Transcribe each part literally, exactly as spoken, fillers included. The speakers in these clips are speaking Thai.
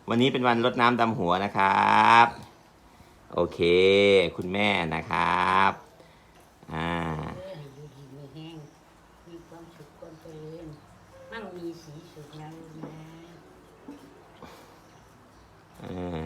วันนี้เป็นวันรดน้ำดำหัวนะครับ โอเค คุณแม่นะครับอ่าอยู่ดีมีแห้งมีความสุขความเจริญมั่งมีสีสุขนะลูกนะอ่า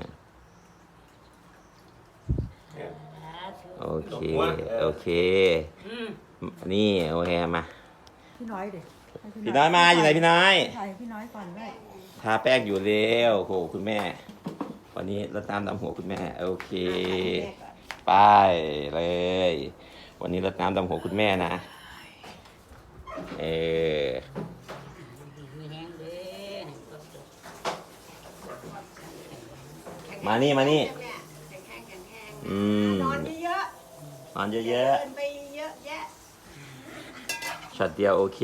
โอเคโอเคอืมนี่โอเคมาพี่น้อยเด็กพี่น้อยมาอยู่ไหนพี่น้อยถ่ายพี่น้อยก่อนด้วยทาแป้งอยู่เร็วโหคุณแม่ วันนี้รดน้ำดำหัวคุณแม่โอเคไปเลย วันนี้รดน้ำดำหัวคุณแม่นะเออดีมีแห้งเด้อให้ความสุขมานี่มานี่แม่แข็งแข็งแข็งแข็งอืมนอนเยอะนอนๆเยเดิอะนไปเยอะแยะๆช็อตเดียวโอเค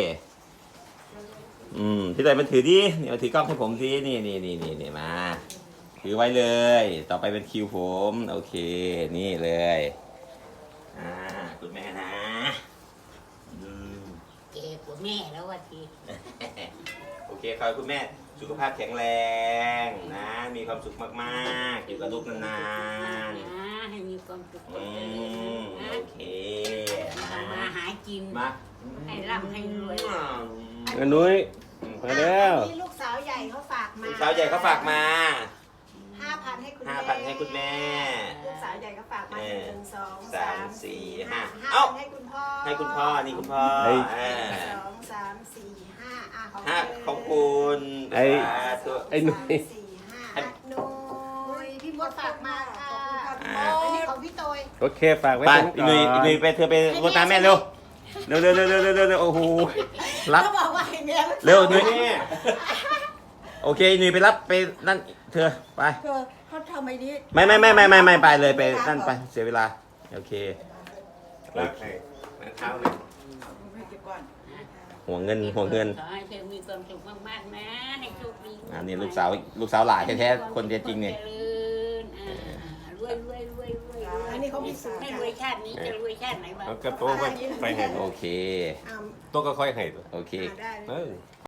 อืมพี่เตยมันถือดินี่มาถือกล้องให้ผมสินี่นี่นี่นี่นี่มาถือไว้เลย ต่อไปเป็นคิวผมโอเคนี่เลยอ่าคุณแม่นะอืมเก๋กว่าแม่แล้วว่าทีโอเคขอให้คุณแม่สุขภาพแข็งแรงนะ มีความสุขมากๆ อยู่กับลูกนานนะให้มีความสุขๆควาอืมเจริญมนะโอเคทำมาหากินมาให้ร่ำให้รวยเงินนุ้ยมาแล้วอันนี้ลูกสาวใหญ่เขาฝากมาลูกสาวใหญ่เขาฝากมาห้าพันให้คุณห้าแม่พันให้คุณแม่ลูกสาวใหญ่เขาฝากมาเออหนึ่งสองสาสาม มสี่สี่ห้าห้าเอ้าห้าพันให้คุณพ่อให้คุณพ่อนี่คุณพ่อไอ้อ่าหนึ่งสองสามสี่ห้าอ่ะของห้าเธของคุณไอ้สาธุไอ้หนุ่ยสามสี่ห้าอ่ะหนุ่ยพี่มดฝากมาค่ะอ่าอันนี้ของพี่โตยโอเคฝากไว้ไปตรงอีก่หนุ่ยอีหนุ่ยอนไปเธอไปรดน้ำแม่เร็วเร็วเร็วเร็วเร็วเร็วเร็วเร็วโอ้โหรับเขาบอกว่าให้แม่เร็วหนุ่ยโอเคหนุ่ยไปรับไปนั่นเธอไปเธอเขาทำไอ้นี้ไม่ไม่ไม่ไม่ไม่ไม่ไปเลยไปนั่นไปเสียเวลาโอเครักให้เท้าเลยให้เก็บก่อนห่วงเงินห่วงเงินขอให้เธอมีความสุขมากๆนะให้โชคดีอันนี้ลูกสาวลูกสาวหลานแท้ๆคนจริงๆเนี่ยเจริญอ่ารวยรวยรวยรวยรวยอันนี้เขาพิสูจน์ไม่ค่ะรวยชาตินี้จะรวยชาติไหนบ้างแล้วก็โต๊ะไว้ไปให้โอเคอ่าโต๊ะก็ค่อยให้ตัวโอเคอ่าได้เลยเออ